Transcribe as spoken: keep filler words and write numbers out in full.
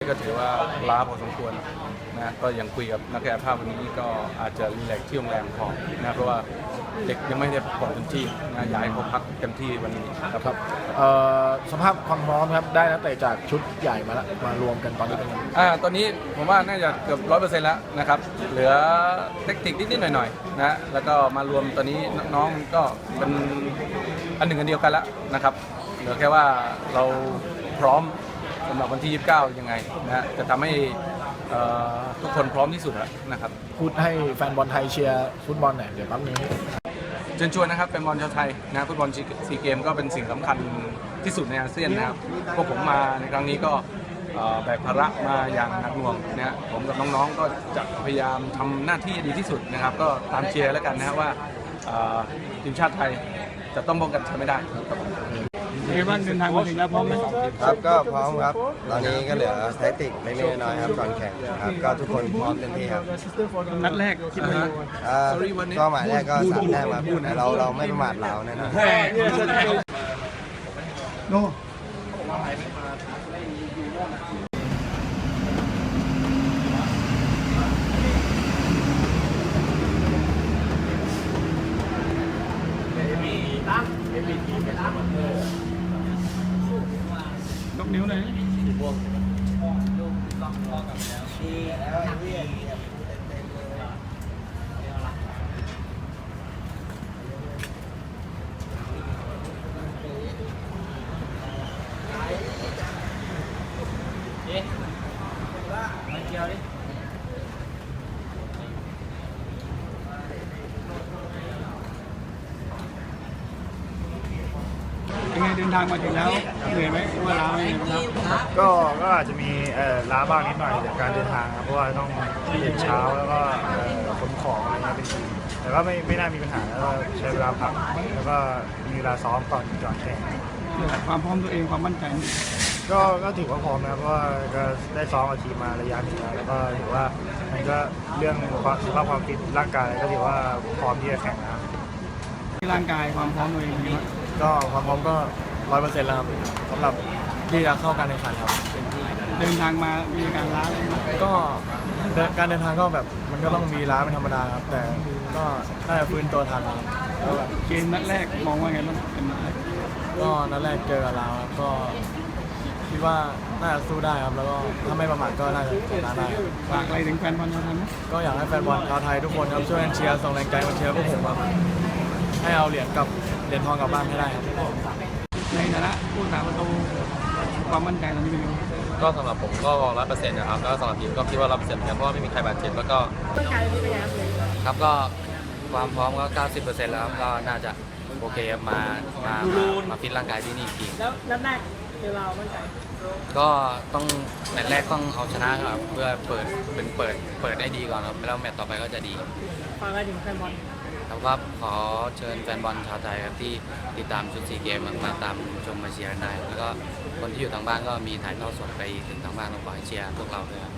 ก็ถือว่าล้าพอสมควรนะก็ยังคุยกับนักกายภาพวันนี้ก็อาจจะรีแลกซ์ที่โรงแรมพอนะเพราะว่าเด็กยังไม่ได้พักผ่อนเต็มที่นะอยากให้เขาพักเต็มที่วันนี้ครับครับสภาพความพร้อมครับได้นักเตะจากชุดใหญ่มาแล้วมารวมกันตอนนี้เป็นยังไงอ่าตอนนี้ผมว่าน่าจะเกือบร้อยเปอร์เซ็นต์แล้วนะครับเหลือเทคนิคนิดๆหน่อยๆนะแล้วก็มารวมตอนนี้น้องๆก็เป็นอันหนึ่งอันเดียวกันแล้วนะครับเหลือแค่ว่าเราพร้อมสำหรับวันที่ยี่สิบเก้ายังไงนะจะทำให้ทุกคนพร้อมที่สุดนะครับพูดให้แฟนบอลไทยเชียร์ฟุตบอลหน่อยเดี๋ยวแป๊บนึงเชิญชวนนะครับเป็นบอลชาวไทยนะฟุตบอลซีเกมก็เป็นสิ่งสำคัญที่สุดในอาเซียนนะครับพวกผมมาในครั้งนี้ก็แบกภาระมาอย่างหนักหน่วงนะผมกับน้องๆก็จะพยายามทำหน้าที่ดีที่สุดนะครับก็ตามเชียร์แล้วกันนะครับว่าทีมชาติไทยจะต้องป้องกันแชมป์ไม่ได้เอวันเดินทางมาถึงแล้วพร้อมไหมครับก็พร้อมครับตอนนี้ก็เหลือแทคติกไม่ๆน้อยๆครับก่อนแข่งครับก็ทุกคนพร้อมเต็มที่ครับนัดแรกคิดว่าก็หมายแรกก็สามแต้มครับแต่เราเราไม่ประมาทเราแน่นอนโน่ยกนิ้วหน่อยยังไงเดินทางมาถึงแล้วเหนื่อยไหมว่าล้าไหมครับก็ก็อาจจะมีเอ่อล้าบ้างนิดหน่อยจากการเดินทางครับเพราะว่าต้องตื่นเช้าแล้วก็ขนของอะไรเงี้ยเป็นทีแต่ก็ไม่ไม่น่ามีปัญหาแล้วก็ใช้เวลาพักแล้วก็มีเวลาซ้อมก่อนก่อนแข่งความพร้อมตัวเองความมั่นใจก็ก็ถือว่าพร้อมนะครับเพราะว่าก็ได้ซ้อมกับทีมมาระยะหนึ่งแล้วแล้วก็ถือว่ามันก็เรื่องสภาพความฟิตร่างกายก็ถือว่าพร้อมที่จะแข่งนะครับร่างกายความพร้อมตัวเองก็ความพร้อมก็ร้อยเปอร์เซ็นต์แล้วครับสำหรับที่จะเข้าการแข่งขันครับเดินทางมามีการล้าอะไรก็การเดินทางก็แบบมันก็ต้องมีล้าเป็นธรรมดาครับแต่ก็น่าจะฟื้นตัวทันครับเกมนัดแรกมองว่าไงบ้างเป็นนัดแรกก็นัดแรกเจอกับเราครับก็คิดว่าน่าจะสู้ได้ครับแล้วก็ถ้าไม่ประมาทก็น่าจะชนะได้ฝากอะไรถึงแฟนบอลชาวไทยไหมก็อยากให้แฟนบอลชาวไทยทุกคนครับช่วยกันเชียร์ส่งแรงใจมาเชียร์พวกผมครับให้เอาเหรียญกับเหรียญทองกลับบ้านให้ได้ครับในฐานะผู้สาประตูความมั่นใจตอนนี้เป็นยังไงก็สำหรับผมก็ร้อยเปอร์เซ็นต์นะครับแล้วสำหรับทีมก็คิดว่าร้อยเปอร์เซ็นต์เหมือนกันเพราะว่าไม่มีใครบาดเจ็บแล้วก็ครับก็ความพร้อมก็ เก้าสิบเปอร์เซ็นต์ แล้วก็น่าจะโอเคมามามาฟิตร่างกายที่นี่อีกแล้วนัดแรกเรามั่นใจก็ต้องแมตช์แรกต้องเอาชนะครับเพื่อเปิดเป็นเปิดเปิดได้ดีก่อนครับแล้วแมตช์ต่อไปก็จะดีฝากอะไรถึงแฟนบอลครับก็ขอเชิญแฟนบอลชาวไทยครับที่ติดตามชุดซีเกมมาตามชมมาเชียร์ได้แล้วก็คนที่อยู่ทางบ้านก็มีถ่ายทอดสดไปถึงทางบ้านเราขอให้เชียร์พวกเราด้วยครับ